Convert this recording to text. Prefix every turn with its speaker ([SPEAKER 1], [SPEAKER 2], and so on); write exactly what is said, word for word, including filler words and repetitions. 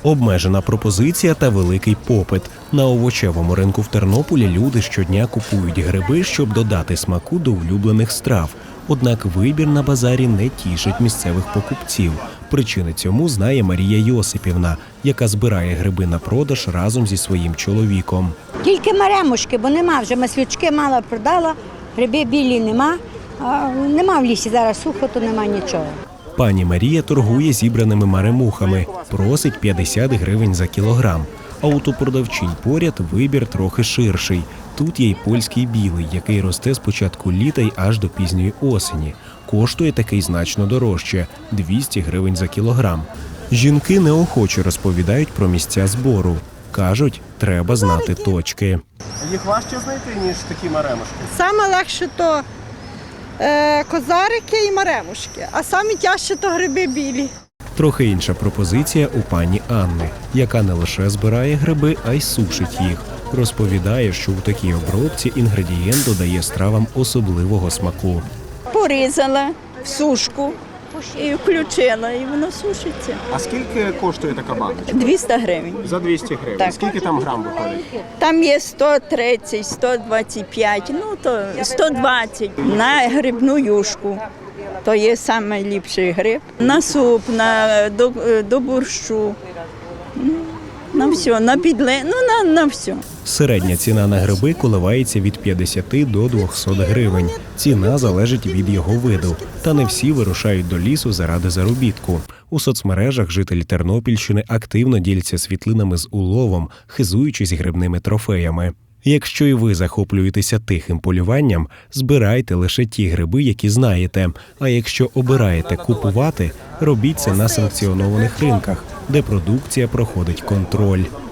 [SPEAKER 1] Обмежена пропозиція та великий попит. На овочевому ринку в Тернополі люди щодня купують гриби, щоб додати смаку до улюблених страв. Однак вибір на базарі не тішить місцевих покупців. Причини цьому знає Марія Йосипівна, яка збирає гриби на продаж разом зі своїм чоловіком.
[SPEAKER 2] Тільки маремушки, бо нема вже, маслючки мало продала, гриби білі нема, а нема в лісі зараз сухо, то нема нічого.
[SPEAKER 1] Пані Марія торгує зібраними маремухами, просить п'ятдесят гривень за кілограм. А от у продавчинь поряд вибір трохи ширший. Тут є й польський білий, який росте з початку літа й аж до пізньої осені. Коштує такий значно дорожче – двісті гривень за кілограм. Жінки неохоче розповідають про місця збору. Кажуть, треба знати точки.
[SPEAKER 3] Їх важче знайти, ніж такі маремушки?
[SPEAKER 4] Саме легше то е, козарики і маремушки, а саме тяжче то гриби білі.
[SPEAKER 1] Трохи інша пропозиція у пані Анни, яка не лише збирає гриби, а й сушить їх. Розповідає, що у такій обробці інгредієнт додає стравам особливого смаку.
[SPEAKER 5] Порізала в сушку і включила, і воно сушиться.
[SPEAKER 3] А скільки коштує така баночка?
[SPEAKER 5] двісті гривень.
[SPEAKER 3] За двісті гривень.
[SPEAKER 5] Так.
[SPEAKER 3] Скільки там грам виходить?
[SPEAKER 5] Там є сто тридцять, сто двадцять п'ять, ну то сто двадцять. На грибну юшку. То є найліпший гриб. На суп, на, до, до борщу, на все, на підле, ну на, на все.
[SPEAKER 1] Середня ціна на гриби коливається від п'ятдесят до двохсот гривень. Ціна залежить від його виду. Та не всі вирушають до лісу заради заробітку. У соцмережах жителі Тернопільщини активно діляться світлинами з уловом, хизуючись грибними трофеями. Якщо і ви захоплюєтеся тихим полюванням, збирайте лише ті гриби, які знаєте. А якщо обираєте купувати, робіть це на санкціонованих ринках, де продукція проходить контроль.